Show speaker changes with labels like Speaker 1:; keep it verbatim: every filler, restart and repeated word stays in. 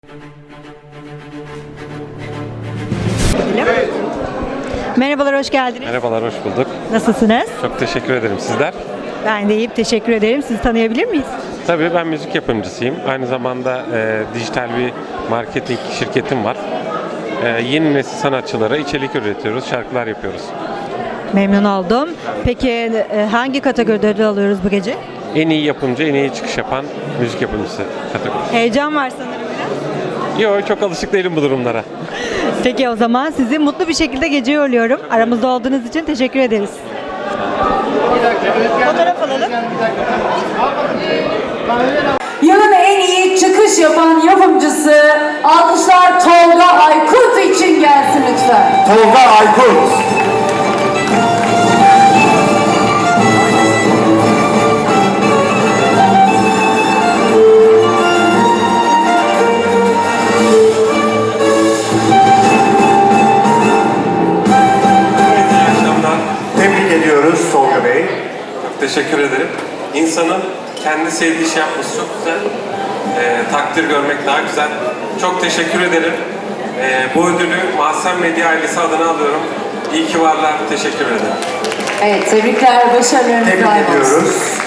Speaker 1: Merhabalar, hoş geldiniz.
Speaker 2: Merhabalar, hoş bulduk.
Speaker 1: Nasılsınız?
Speaker 2: Çok teşekkür ederim. Sizler?
Speaker 1: Ben de iyiyim, teşekkür ederim. Sizi tanıyabilir miyiz?
Speaker 2: Tabii ben müzik yapımcısıyım. Aynı zamanda e, dijital bir marketing şirketim var. E, yeni nesil sanatçılara içerik üretiyoruz, şarkılar yapıyoruz.
Speaker 1: Memnun oldum. Peki e, hangi kategoride ödül alıyoruz bu gece?
Speaker 2: En iyi yapımcı, en iyi çıkış yapan müzik yapımcısı kategorisi.
Speaker 1: Heyecan var sanırım biraz.
Speaker 2: Yok, çok alışık değilim bu durumlara.
Speaker 1: Peki o zaman sizi mutlu bir şekilde geceye uğurluyorum. Aramızda olduğunuz için teşekkür ederiz. Fotoğraf alalım.
Speaker 3: Yılın en iyi çıkış yapan yapımcısı alkışlar Tolga Aykut için gelsin lütfen.
Speaker 4: Tolga Aykut. Tebrik ediyoruz Tolga Bey.
Speaker 2: Çok teşekkür ederim. İnsanın kendi sevdiği şey yapması çok güzel. E, takdir görmek daha güzel. Çok teşekkür ederim. E, bu ödülü Mahsen Medya ailesi adına alıyorum. İyi ki varlar. Teşekkür ederim.
Speaker 3: Evet, tebrikler, başarılarınız
Speaker 4: Tebrik
Speaker 3: daim olsun.
Speaker 4: ediyoruz.